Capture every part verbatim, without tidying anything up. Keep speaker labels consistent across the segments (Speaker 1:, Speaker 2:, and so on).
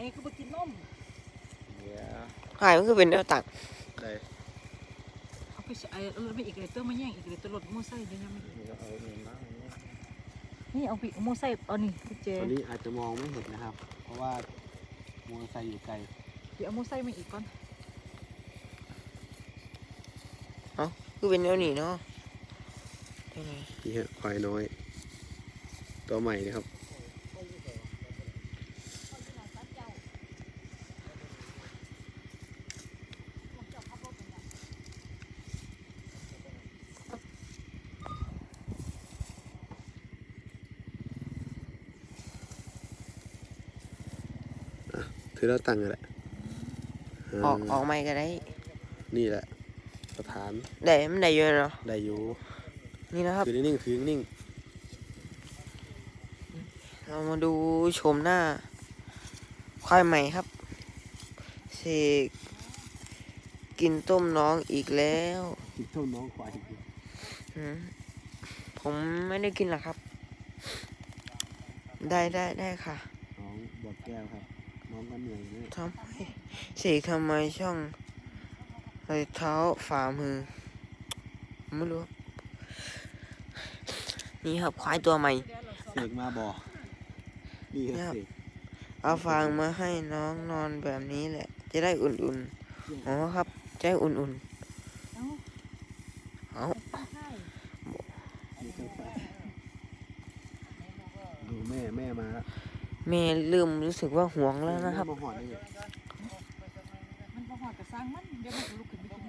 Speaker 1: ก็ไปกินนม
Speaker 2: หายมันคือเป็นแนวตัก
Speaker 3: ได้
Speaker 1: เอาไปไอ้เออไปอีกเลยเติมมาแย่งอีกเลยตัวรถโม่ไส้เดี๋ยวยังไม่
Speaker 3: เอาเงินมา
Speaker 1: นี่เอาปีโม่ไส้เอานี่พี่เจ
Speaker 3: ตอนนี้อาจจะมองไม่เห็นนะครับเพราะว่ามอเตอร์ไซค์อยู่ไกล
Speaker 1: เดี๋ยวเอาโม่ไส้มาอีกก่อน
Speaker 2: เอ้าคือเป็นแนวนี้เนาะ
Speaker 3: นี่ฮะควายน้อยตัวใหม่นะครับถือแล้วตั้งแหละ
Speaker 2: ออกออกไม่ก็ได้
Speaker 3: นี่แหละสถาน
Speaker 2: ได้มันได้เยอะเนาะ
Speaker 3: ได้อยู่
Speaker 2: นี่นะครับ
Speaker 3: ถือนิ่งถือนิ่ง
Speaker 2: เรามาดูชมหน้าควายใหม่ครับเสกกินต้มน้องอีกแล้ว
Speaker 3: กินต้มน้องควาย
Speaker 2: ผมไม่ได้กินหรอกครับได้ได้ได้ค่ะ
Speaker 3: น้องบดแก้วครับน้องก็เหนื่อยเลย
Speaker 2: ทำไมเสกทำไมช่องรอยเท้าฝ่ามือไม่รู้นี่ครับควายตัวใหม่
Speaker 3: เสกมาบ่อนี่ครับ
Speaker 2: เอาฟางมาให้น้องนอนแบบนี้แหละจะได้อุ่นๆอ๋อครับจะได้อุ่นๆเอา
Speaker 3: ดูแม่แม่มาแล้ว
Speaker 2: แม่เริ่มรู้สึกว่าห่วงแล้วนะครับ
Speaker 3: มันมาหอดได้ไง
Speaker 1: มันมาหอดกับสร้างมันเดี๋ยวมันลุกขึ้นไปกิน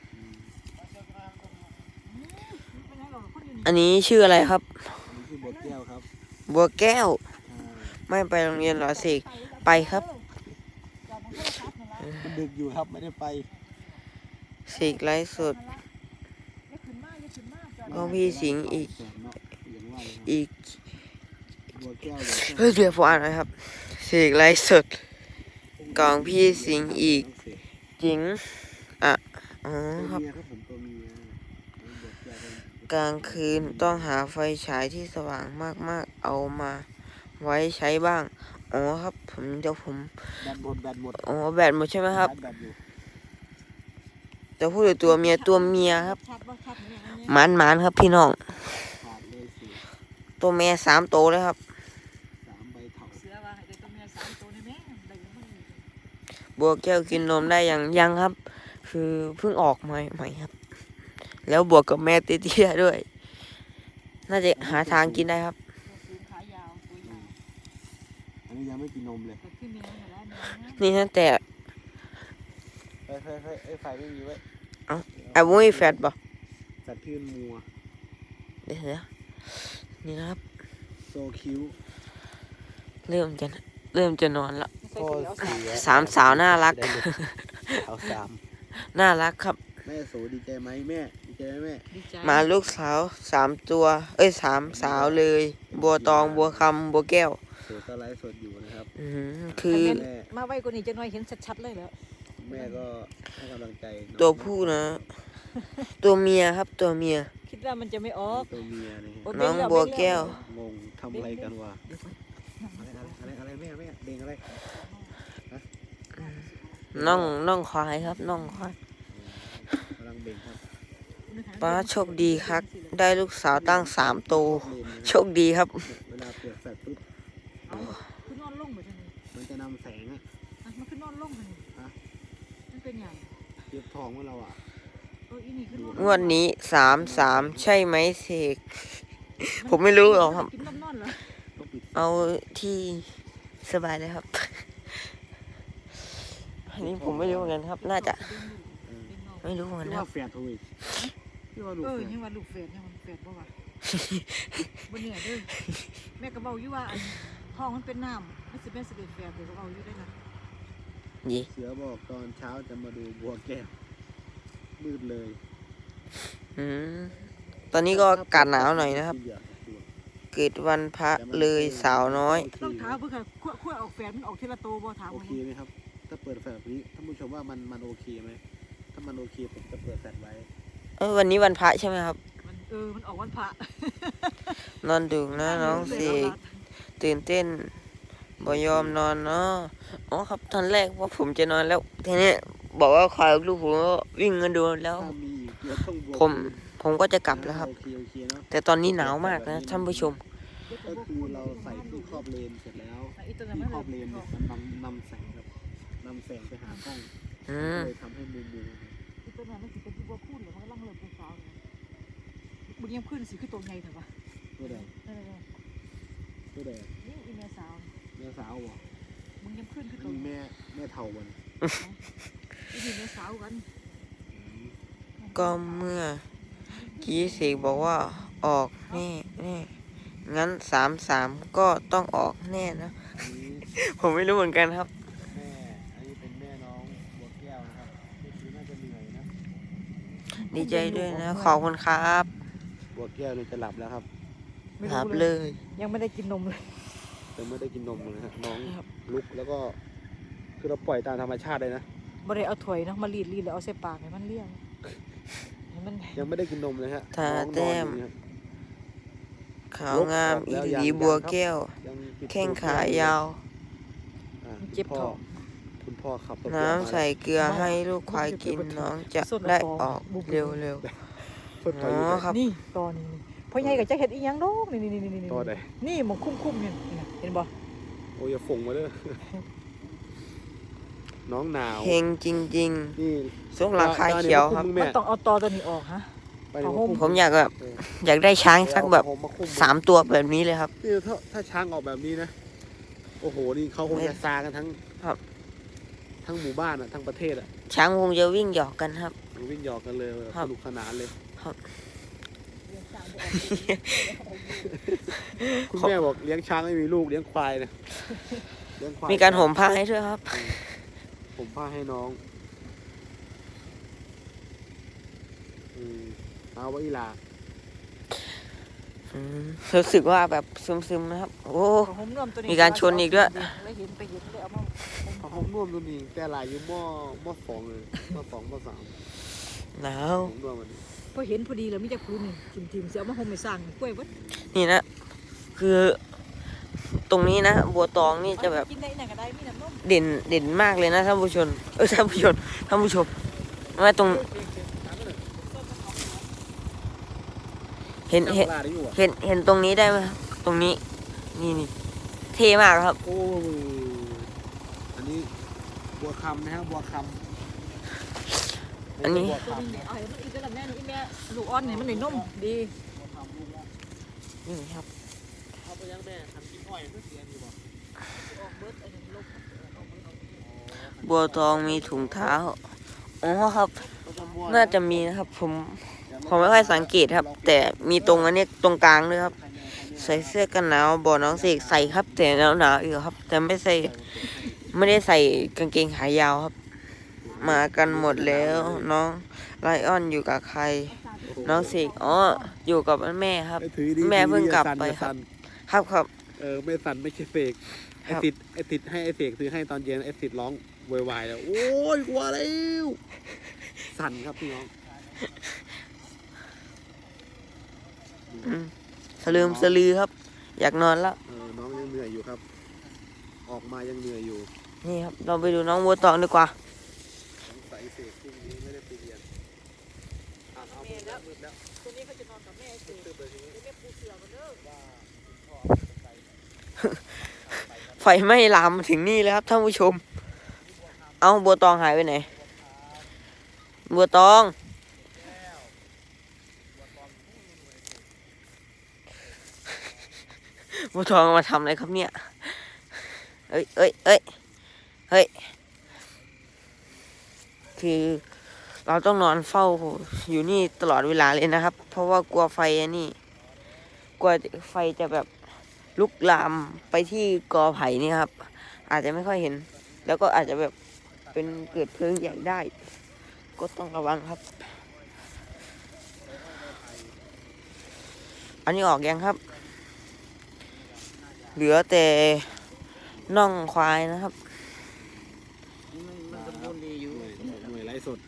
Speaker 2: อันนี้ชื่ออะไรครับ
Speaker 3: ชื่อบัวแก้วครับ
Speaker 2: บัวแก้วไม่ไปโรงเรียนหรอเสกไปครับ
Speaker 3: มันดึกอยู่ครับไม่ได้ไป
Speaker 2: เสกไลฟ์สดก็พี่สิงอีกอีกเฮ้ยเดี๋ยวผมอ่านนะครับเสกไลฟ์สดกองพี่สิงอีกจริงอ่ะอ๋อครับกลางคืนต้องหาไฟฉายที่สว่างมากๆเอามาไว้ใช้บ้างอ๋อครับผมเดี๋ยวผม
Speaker 3: แบตหมดแบตหมด
Speaker 2: อ๋อแบตหมดใช่ไหมครับจะพูดถึงตัวเมียตัวเมียครับหมานหมานครับพี่น้องตัวเมียสามโตเลยครับบัวแก้วกินนมได้ยังยังครับ คือเพิ่งออกใหม่ใหม่ครับแล้วบวกกับแม่เตี้ยๆด้วยน่าจะหาทางกินได้ครับ
Speaker 3: อันนี้ยังไม่กินนมเลย
Speaker 2: นี่นั่นแต่
Speaker 3: เฮ้ยเฮ้ยเฮ้ยไอ้ไฟไม่มีไว้
Speaker 2: เอ้าไอ้บุ้ยแฟดป่ะ
Speaker 3: แฟดพื้นมัว
Speaker 2: เดี๋ยวนะนี่นะครับ
Speaker 3: โซคิว
Speaker 2: เริ่มจะเริ่มจะนอนแล้วสามสาวน่ารัก
Speaker 3: เอาสาม
Speaker 2: น่ารักครับ
Speaker 3: แม่โสดีใจไหมแม่ดีใจไหมแม่
Speaker 2: มาลูกสาวสามตัวเอ้ยสามสาวเลยบัวตองบัวคำบัวแก้ว
Speaker 3: โสดไลฟ์สดอยู่นะครับ
Speaker 2: อืมคือ
Speaker 1: มาไว้กว่านี้จะน้อยเห็นชัดๆเลยแล้ว
Speaker 3: แม่ก็ให้กำลังใจ
Speaker 2: ตัวผู้นะตัวเมียครับตัวเมีย
Speaker 1: คิดว่ามันจะไม่ออก
Speaker 3: ตัวเมียนี่
Speaker 2: น้องบัวแก้ว
Speaker 3: งงทำอะไรกันวะอะไรอะไรอะไรแม่แม่เด้งอะไร
Speaker 2: น้องน้องควายครับน้องควาย
Speaker 3: กำลังเบ่งครับ
Speaker 2: ป้าโชคดีครับได้ลูกสาวตั้งสามโตโชคดีครับ
Speaker 3: เวลาเปิดแฟลชปุ๊บ
Speaker 1: คือนอนลงเหมือนกัน
Speaker 3: มันจะนำแสงอ่ะ
Speaker 1: มันคือนอนลงกันฮะมันเป็นอย่าง
Speaker 3: เก็บทองเมื่อเราอ่ะ
Speaker 2: งวดนี้สามสามใช่ไหมเสกผมไม่รู้หรอกครับเอาที่สบายเลยครับอันนี้ผมไม่รู้เหมือนกันครับน่าจะไม่รู้เหมือนกันครับ
Speaker 3: แฝดถูก
Speaker 1: เออยังว่าลูกแฝดยังมันแฝดบ่วะบ่เนี่ยเด้อแม่ก็เบาอยู่ว่าท้องมันเป็นน้ำไม่สิแม่สิเป็นแฝดเดี๋ยวก็เบาอยู่ได้นะ
Speaker 2: ยี่
Speaker 3: เสือบอกตอนเช้าจะมาดูบัวแก้วมืดเลย
Speaker 2: อืมตอนนี้ก็อากาศหนาวหน่อยนะครับเกิดวันพระเลยสาวน้อย
Speaker 1: ต้องถามเพื่อขั้วขั้วออกแฝดมันออกทีละโตบ่ถาม
Speaker 3: โอเคไหมครับถ้าเปิดแฟลชนี้ท่านผู้ชมว่ามันมันโอเคไหมถ้ามันโอเคผมจะเปิดแฟลชไว้
Speaker 2: เออวันนี้วันพระใช่ไหมครับ
Speaker 1: เออมันออกวันพระ
Speaker 2: นอนดึกนะน้องเสกตื่นเต้นบ่ยอมนอนเนาะอ๋อครับตอนแรกว่าผมจะนอนแล้วทีนี้บอกว่าขอลูกผมก็วิ่งกันดูแล้ว
Speaker 3: ถ้ามีอีกเราต้องบวก
Speaker 2: ผมผมก็จะกลับแล้วครับ
Speaker 3: โอเคโอเคเนาะ
Speaker 2: แต่ตอนนี้หนาวมากนะท่านผู้ชม
Speaker 3: ก็คือเราใส่ที่ครอบเลนเสร็จแล้ว
Speaker 1: อีตัว
Speaker 3: ที่
Speaker 1: นั้น
Speaker 3: คร
Speaker 1: มั
Speaker 3: อน บเลนเนี่ยมันนำนำแสงครับนำแสงไปหากล้อง
Speaker 2: อืม
Speaker 3: เลยทำให้มุมมุม
Speaker 1: อีตัวนั้นมันสิเป็นที่บ่พูดหรือมันกำลังเริ่มเป็นสาวบุญยังขึ้นสิคือตัวใหญ่เถอะวะ
Speaker 3: ตัวแดง
Speaker 1: นั่นแหละ
Speaker 3: ตัวแดง
Speaker 1: นี่อีเมสาว
Speaker 3: แม่สาวบ่
Speaker 1: มึงยังขึ้นคือ
Speaker 3: อัน
Speaker 1: ตัว
Speaker 3: นี้แม่แม่เท่าวัน
Speaker 1: อีนี่เมสาวกัน
Speaker 2: ก็เมื่อกี้เสกบอกว่าออกแน่แน่งั้นสามสามก็ต้องออกแน่นะ
Speaker 3: อันนี้
Speaker 2: ผมไม่รู้เหมือนกันครับ
Speaker 3: แม่อันนี้เป็นแม่น้องบัวแก้วนะครับนี่คือน่าจะเหนื่อยนะ
Speaker 2: ดีใจด้วยนะ ขอบคุณครับ
Speaker 3: บัวแก้วเนี่ยจะหลับแล้วครับ
Speaker 1: ไม่
Speaker 2: ครั
Speaker 1: รู้
Speaker 2: บ
Speaker 1: เล
Speaker 2: เลย ย
Speaker 1: ยังไม่ได้กินนมเลย
Speaker 3: แต่ไม่ได้กินนมเลยฮะน้อง
Speaker 1: ครับ
Speaker 3: ลุกแล้วก็คือเราปล่อยตามธรรมชาติเลยนะ
Speaker 1: บ่ได้เอาถ้วยเนาะมารีดรีดแล้วเอาใส่ปากให้มันเลี้ยงให้มัน
Speaker 3: ยังไม่ได้กินนมเลยฮะ
Speaker 2: ทา
Speaker 3: น้องน
Speaker 2: แต้
Speaker 3: อนอ
Speaker 2: ม
Speaker 3: ยู่เนี่ย
Speaker 2: ขาวงามอีหลีบัวแก้ว
Speaker 3: ยังปิด
Speaker 2: แข้งขายาว
Speaker 3: อ่ะ
Speaker 1: เจ็บ
Speaker 3: คุณพ่
Speaker 1: ท้
Speaker 3: อ
Speaker 1: อง
Speaker 3: คุณพ่อขับรถ
Speaker 2: น้ำใส่เกลือให้ลูกควายกินน้องจะได้ออกเร็วเร็ว
Speaker 3: เพิ่ง
Speaker 2: ๆ
Speaker 3: ไป
Speaker 2: อ๋
Speaker 3: อยู่
Speaker 2: อ
Speaker 3: ไหน
Speaker 2: ครับ
Speaker 1: นี่ตอนนี้นี่พ่อใหญ่ก็จะเฮ็ดอีหยังดอกนี่นี่นี่นี่
Speaker 3: ตอนไหน
Speaker 1: นี่หมองคุ้มๆนี่นี่นะเห็นบ่
Speaker 3: โอ้ยอย่าฝงมาเด้อ น้องหนาว
Speaker 2: เฮงจริง
Speaker 3: นี่
Speaker 2: ๆส่งหลังคาเขียวครับ
Speaker 3: มึง
Speaker 1: มั
Speaker 3: แม่
Speaker 1: นต้องเอาตอตัวนี้ออกฮะ
Speaker 3: ไปเดี๋ยว
Speaker 1: ผ้าห่ม
Speaker 2: ผมอยากแบบ
Speaker 3: เออ
Speaker 2: อยากได้ช้างสักแบบ
Speaker 3: เดี๋ยวเอผ้าห่มมาคลุม
Speaker 2: สามตัวแบบนี้เลยครับ
Speaker 3: นี่ถ้าถ้าช้างออกแบบนี้นะ โอ้โห นี่เขาคงจะซากันทั้ง
Speaker 2: ครับ
Speaker 3: ทั้งหมู่บ้านอ่ะ ทั้งประเทศอ่ะ
Speaker 2: ช้างคงจะวิ่งหยอกกันครับ
Speaker 3: วิ่งหยอกกันเลย
Speaker 2: ครั
Speaker 3: ส
Speaker 2: บ
Speaker 3: นุกสนานเลย คุณแม่บอกเลี้ยงช้างไม่มีลูกเลี้ยงควายนะเลี้ยงควาย
Speaker 2: มีการห่มผ้าให้ด้วยครับ
Speaker 3: ผมผ้าให้น้องอืมเอาไว้อีหลา
Speaker 2: อืมรู้สึกว่าแบบซึมๆนะครับ โอ้
Speaker 1: ผ้าห่มร่วมตัวนี้
Speaker 2: มีการชนอีกด้วย
Speaker 1: แล้วเห็นไปเห็นเลยเอามา
Speaker 3: เอาห้องร่วมตัวนี้แต่หลายอยู่หม้อหม้อสองเลยหม้อสองหม้อสาม
Speaker 2: หนาว
Speaker 3: ผมร่วมมันนี้
Speaker 1: พอเห็นพอดีแล้วมีแต่พื้นนี่ทิ่มๆสิเอามาห่มให้สร้างกล้วยเบิด
Speaker 2: นี่นะ คือตรงนี้นะ บัวตองนี่จะแบบ
Speaker 1: กินได้ไหนก็ได้มีน้ำนม
Speaker 2: เด่นเด่นมากเลยนะท่านผู้ชม เออท่านผู้ชมท่านผู้ชมว่าตรงเห็นเห็น
Speaker 3: ลาได้อยู่อ่ะ
Speaker 2: เห็นเห็นตรงนี้ได้ไหมครับตรงนี้ นี่นี่เท่มากครับ
Speaker 3: โอ้อันนี้บัวคำนะครับบัวคำ
Speaker 2: อันนี้
Speaker 3: บัว
Speaker 1: ตัว
Speaker 3: คำ
Speaker 1: นี้เอาให้มันอีกก็ลำแน่นี่อีแม่ลูกอ่อนนี่มันได้นมดี
Speaker 3: บัวคำลูกละ
Speaker 2: นี่ครับ
Speaker 3: เอาไปยังแม่ทำกินอ้อยเพื่อเสียดีบ่
Speaker 1: ออกเบิดไอ้นี่ลบ
Speaker 2: บัวตองมีถุงเท้า อ๋อครับ น่าจะมีนะครับ ผมผมไม่ค่อยสังเกตครับ แต่มีตรงอันเนี้ยตรงกลางด้วยครับ ใส่เสื้อกันหนาวบอกน้องเสกใส่ครับ แต่หนาวหนาวอยู่ครับ แต่ไม่ใส่ไม่ได้ใส่กางเกงขายาวครับ มากันหมดแล้ว น้องไลออนอยู่กับใคร น้องเสกอ๋ออยู่กับแม่ครับ
Speaker 3: ไอ้ถือดี
Speaker 2: แม่เพิ่งกลับไป
Speaker 3: อย่า
Speaker 2: ครั
Speaker 3: สั่
Speaker 2: บ
Speaker 3: น
Speaker 2: ครับครับ
Speaker 3: เออไม่สั่นไม่ใช่เสกไอ้
Speaker 2: ครับ
Speaker 3: ติดไอ้ติดให้ไอ้เสกซื้อให้ตอนเย็นไอ้ติดร้องโวยวายแล้วโอ้ยกลัวแล้วสั่นครับพี่น้อง
Speaker 2: อืมสลืมสลือครับ อยากนอนแล้ว
Speaker 3: เออน้องยังเหนื่อยอยู่ครับ ออกมายังเหนื่อยอยู่
Speaker 2: นี่ครับ เราไปดูน้องบัวตองดีกว่า
Speaker 3: สงสัยเสกพรุ่งนี้ไม่ได้ไปเรียนอ่ะเอามืดแล้วมืดแล้ว
Speaker 1: ตัวนี้เขาจะนอนกับแม่สิ
Speaker 3: ตึ๊บเลยทีนี้
Speaker 1: แม่ปูเสือกันเด้อ
Speaker 3: ว่าพ่อจะไป
Speaker 2: ไฟไหม้ลามมาถึงนี่แล้วครับท่านผู้ชม เอาบัวตองหายไปไหน บัวตอง บัวตองมาทำอะไรครับเนี่ย เอ้ยเอ้ยเอ้ยเฮ้ย คือเราต้องนอนเฝ้าอยู่นี่ตลอดเวลาเลยนะครับ เพราะว่ากลัวไฟอันนี่กลัวไฟจะแบบลุกลามไปที่กอไผ่นี่ครับ อาจจะไม่ค่อยเห็น แล้วก็อาจจะแบบเป็นเกิดเพลิงใหญ่ได้ ก็ต้องระวังครับ อันนี้ออกยังครับ เหลือแต่น่องควายนะครับ
Speaker 3: มันสมบูรณ์ดีอยู่หน่วยไร้สด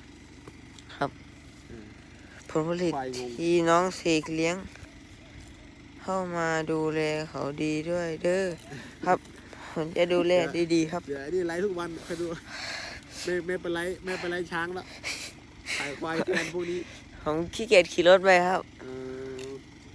Speaker 2: ผลผลิต
Speaker 3: ควายงง
Speaker 2: ที่น้องเสกเลี้ยง เข้ามาดูแลเขาดีด้วยเด้อครับ ผผมจะดูแลดีๆครับ
Speaker 3: เดี๋ยวไอ้นี่ไลฟ์ทุกวันไปดูไม่ไม่เป็นไรไม่เป็นไรช้างแล้วขายควายแทนพวกนี้
Speaker 2: ผมขี้เกียจขี่รถไปครับ
Speaker 3: เออ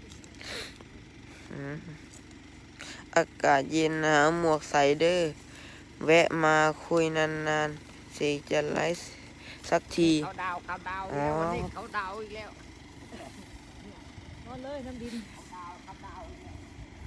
Speaker 2: อืมอากาศเย็นหนาวหมวกใส่เด้อแวะมาคุยนานๆสิจะไลฟ์สักที
Speaker 1: เขาดาวเขาดาว
Speaker 2: อ๋อ
Speaker 1: แล้ววันนี้เขาดาวอีกแล้วนอนเลยน้ำดินเขาดาวเขาดาวอีกแล้ว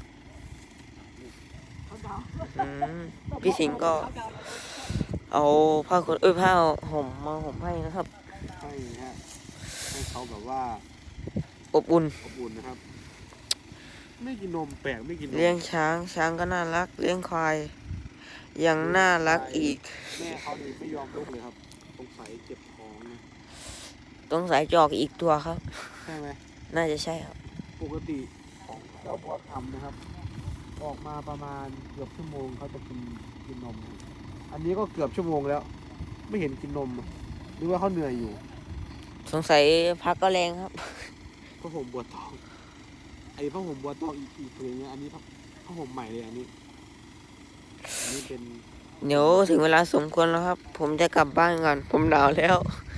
Speaker 1: เขาดาว
Speaker 2: อืมพี่สิงห์ก็เอาผ้าขนเอ้ยผ้าห่มมาห่มให้นะครับ
Speaker 3: ให้ฮะให้เขาแบบว่า
Speaker 2: อบอุ่น
Speaker 3: อบอุ่นนะครับ ไม่กินนมแปลกไม่กินนม
Speaker 2: เลี้ยงช้างช้างก็น่ารัก เลี้ยงควายยังน่ารักอีก
Speaker 3: แม่เขานี่ไม่ยอมลุกเลยครับสงสัยเจ็บท้องนะ
Speaker 2: ต้องสายจอกอีกตัวครับ
Speaker 3: ใช่ไหม
Speaker 2: น่าจะใช่ครับ
Speaker 3: ปกติของเจ้าพ่อทำนะครับ ออกมาประมาณเกือบชั่วโมงเขาจะกินกินนมนะอันนี้ก็เกือบชั่วโมงแล้ว ไม่เห็นกินนมหรือว่าเขาเหนื่อยอยู่
Speaker 2: สงสัยพักก็แรงครับ
Speaker 3: ผ้าห่มบัวตองไอ้ผ้าห่มบัวตองอีกอีกผืนนึงอันนี้ผ้าผ้าห่มใหม่เลยอันนี้อันนี้เป็น
Speaker 2: เดี๋ยวถึงเวลาสมควรแล้วครับ ผมจะกลับบ้านก่อน ผมหนาวแล้ว
Speaker 3: อ